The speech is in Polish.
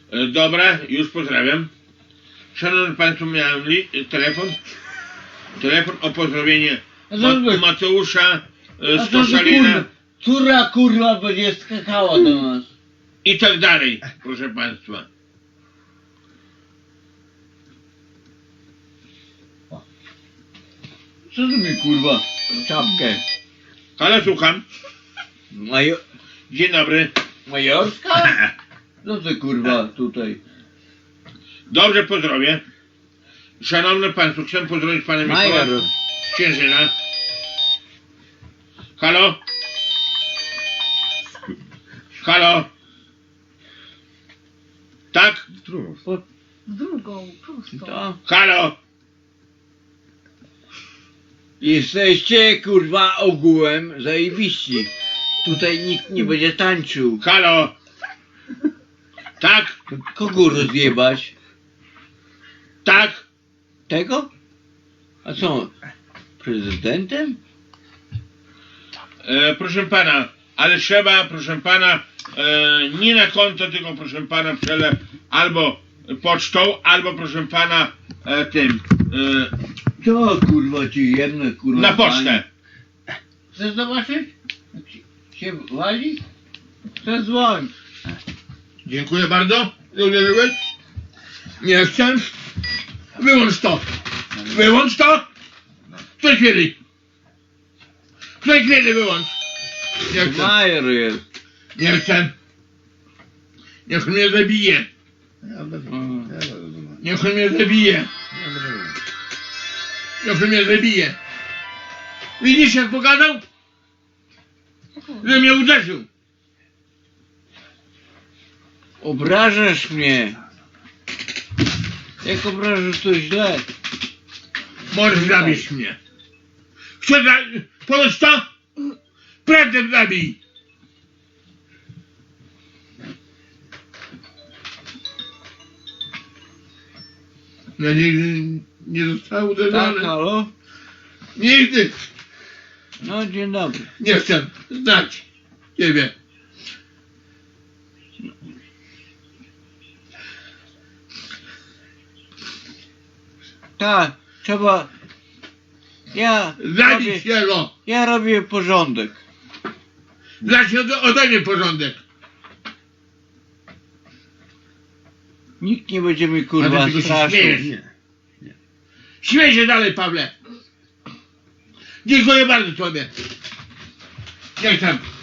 Dobra, już pozdrawiam. Szanowni Państwo, miałem telefon o pozdrowienie Mateusza z Koszalina Córa kurwa będzie skakała do nas. i tak dalej, proszę Państwa. Co ty mi kurwa czapkę? Ale słucham. Major... Dzień dobry. Majorska? Co ty kurwa tutaj? Dobrze, pozdrowię. Szanowni Państwo, chciałem pozdrowić Pana Mikołaja Major. z Ciężyna. Halo? Halo? Tak? Drugą, prostą. To? Halo? Jesteście kurwa ogółem zajebiści. Tutaj nikt nie będzie tańczył. Halo? Tak? Kogo rozjebać? Tak? Tego? A co? Prezydentem? Proszę Pana, ale trzeba, proszę Pana, nie na konto, tylko proszę Pana przelew albo pocztą, albo proszę Pana tym, Co kurwa ci jedno kurwa? na pocztę. Chcesz zobaczyć? Jak się wali? Chcę dzwonić. Dziękuję bardzo. Nie chcę. Wyłącz to. Wyłącz to. W tej chwili. W tej chwili wyłącz. Nie chcę. Major jest. Nie chcę. Niech mnie zabije. Niech mnie zabije. Niech mnie zabije. Widzisz, jak pogadał? Że mnie uderzył. Obrażasz mnie. Jak obrażasz to źle. Możesz zabić mnie. Chcesz powiedz to? Prędzej zabij. Ja nigdy nie zostałem Tak, uderzony. halo? Nigdy. No dzień dobry. Nie chcę znać ciebie. Tak, trzeba... Zabić jego. Ja robię porządek. Zacznij ode mnie porządek. Nikt nie będzie mi A kurwa ty tylko się straszył. śmiejesz. Śmiej się dalej, Pawle. Dziękuję bardzo tobie. Nie chcę.